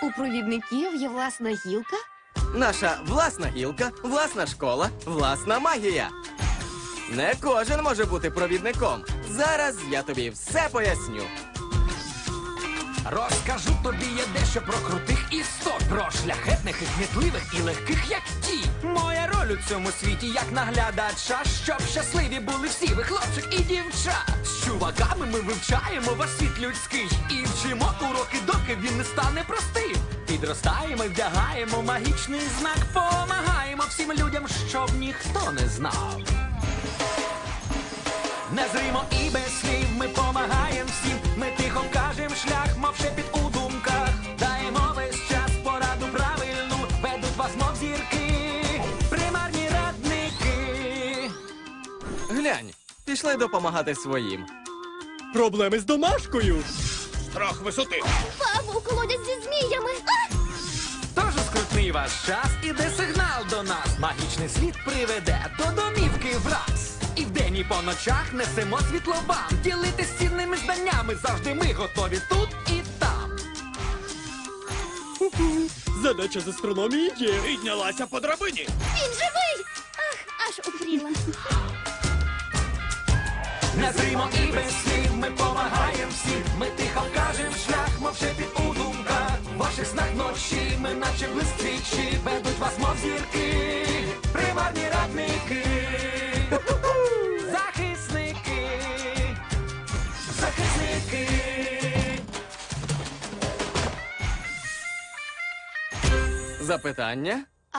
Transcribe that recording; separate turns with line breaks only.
У провідників є власна гілка?
Наша власна гілка, власна школа, власна магія. Не кожен може бути провідником. Зараз я тобі все поясню.
Розкажу тобі я дещо про крутих істот, про шляхетних і кмітливих і легких, як ті. Моя роль у цьому світі, як наглядача, щоб щасливі були всі ви, хлопчик і дівча. З чуваками ми вивчаємо ваш світ людський і вчимо уроки, доки він не стане простим. Підростаємо і вдягаємо магічний знак, помагаємо всім людям, щоб ніхто не знав. Незримо і без слів ми помагаємо всім. Ми тихо кажем шлях, мов шепіт у думках. Даємо весь час пораду правильну, ведуть вас, мов зірки, примарні радники.
Глянь, пішли допомагати своїм.
Проблеми з домашкою.
Страх висоти.
Павук, колодязь зі зміями!
Тож скрутний ваш час, іде сигнал до нас. Магічний світ приведе до домівки враз. І вдень, і по ночах несемо світло вам. Ділитись цінними знаннями, завжди ми готові тут і там.
Задача з астрономії є.
Піднялася по драбині.
Він живий! Ах, аж упріла.
Незримо і без слів ми помагаємо всім. Ми тихо кажем шлях, мов шепіт у думках. В ваших снах ночі ми наче блисквічі, ведуть вас, мов зірки, примарні радники. Захисники, захисники.
Запитання?